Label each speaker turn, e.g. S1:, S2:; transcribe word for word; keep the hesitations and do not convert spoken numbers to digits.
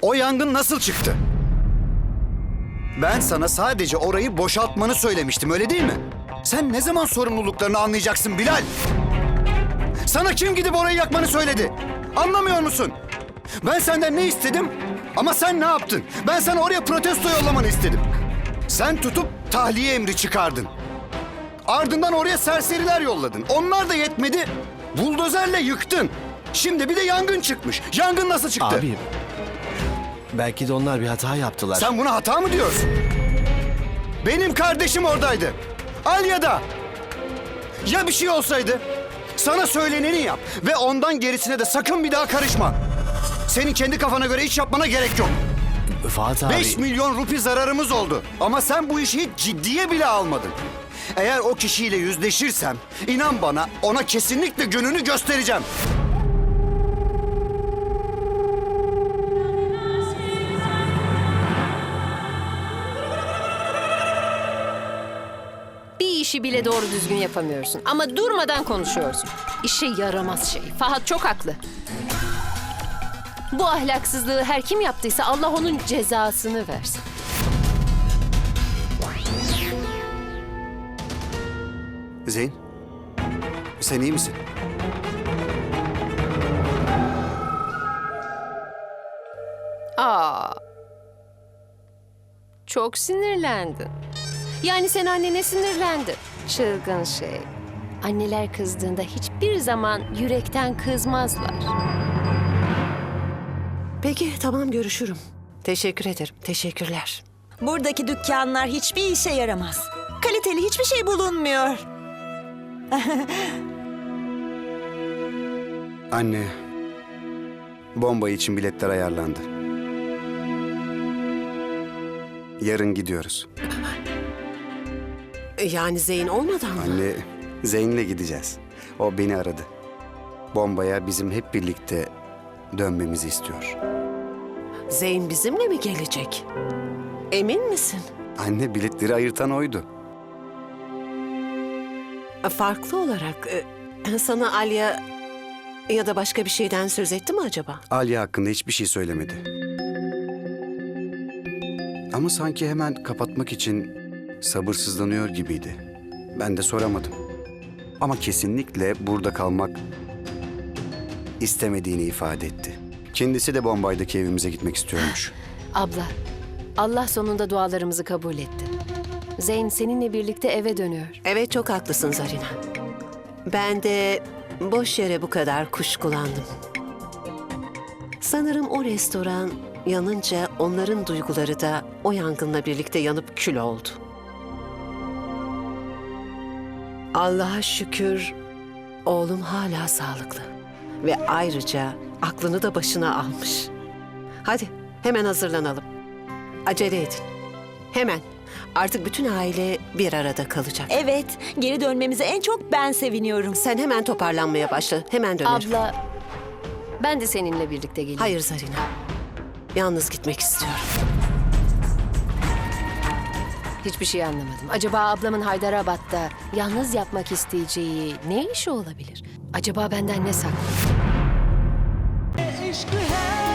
S1: O yangın nasıl çıktı? Ben sana sadece orayı boşaltmanı söylemiştim, öyle değil mi? Sen ne zaman sorumluluklarını anlayacaksın Bilal? Sana kim gidip orayı yakmanı söyledi? Anlamıyor musun? Ben senden ne istedim? Ama sen ne yaptın? Ben sana oraya protesto yollamanı istedim. Sen tutup tahliye emri çıkardın. Ardından oraya serseriler yolladın. Onlar da yetmedi. Buldozerle yıktın. Şimdi bir de yangın çıkmış. Yangın nasıl çıktı?
S2: Abi, belki de onlar bir hata yaptılar.
S1: Sen buna hata mı diyorsun? Benim kardeşim oradaydı. Alya'da. Ya bir şey olsaydı? Sana söyleneni yap ve ondan gerisine de sakın bir daha karışma. Senin kendi kafana göre iş yapmana gerek yok.
S2: Fuat abi...
S1: Beş milyon rupi zararımız oldu. Ama sen bu işi hiç ciddiye bile almadın. Eğer o kişiyle yüzleşirsem, inan bana ona kesinlikle gününü göstereceğim.
S3: Bir işi bile doğru düzgün yapamıyorsun. Ama durmadan konuşuyorsun. İşe yaramaz şey. Fahat çok haklı. Bu ahlaksızlığı her kim yaptıysa Allah onun cezasını versin.
S1: Zeyn, sen iyi misin?
S3: Aa. Çok sinirlendin. Yani sen annene sinirlendin. Çılgın şey. Anneler kızdığında hiçbir zaman yürekten kızmazlar.
S4: Peki, tamam, görüşürüm. Teşekkür ederim, teşekkürler.
S5: Buradaki dükkanlar hiçbir işe yaramaz. Kaliteli hiçbir şey bulunmuyor.
S1: Anne, bomba için biletler ayarlandı. Yarın gidiyoruz.
S4: Yani Zeyn olmadan mı?
S1: Anne, Zeyn'le gideceğiz. O beni aradı. Bombaya bizim hep birlikte dönmemizi istiyor.
S4: Zeyn bizimle mi gelecek? Emin misin?
S1: Anne, biletleri ayırtan oydu.
S4: Farklı olarak e, sana Alya ya da başka bir şeyden söz etti mi acaba?
S1: Alya hakkında hiçbir şey söylemedi. Ama sanki hemen kapatmak için sabırsızlanıyor gibiydi. Ben de soramadım. Ama kesinlikle burada kalmak istemediğini ifade etti. Kendisi de Bombay'daki evimize gitmek istiyormuş.
S3: Abla, Allah sonunda dualarımızı kabul etti. Zeyn seninle birlikte eve dönüyor.
S4: Evet, çok haklısın Zarina. Ben de boş yere bu kadar kuşkulandım. Sanırım o restoran yanınca onların duyguları da o yangınla birlikte yanıp kül oldu. Allah'a şükür oğlum hala sağlıklı ve ayrıca aklını da başına almış. Hadi hemen hazırlanalım. Acele edin. Hemen. Artık bütün aile bir arada kalacak.
S5: Evet, geri dönmemize en çok ben seviniyorum.
S4: Sen hemen toparlanmaya başla. Hemen dönerim.
S3: Abla, ben de seninle birlikte geleyim.
S4: Hayır Zarina. Yalnız gitmek istiyorum.
S3: Hiçbir şey anlamadım. Acaba ablamın Haydarabad'da yalnız yapmak isteyeceği ne işi olabilir? Acaba benden ne saklı?
S6: इश्क है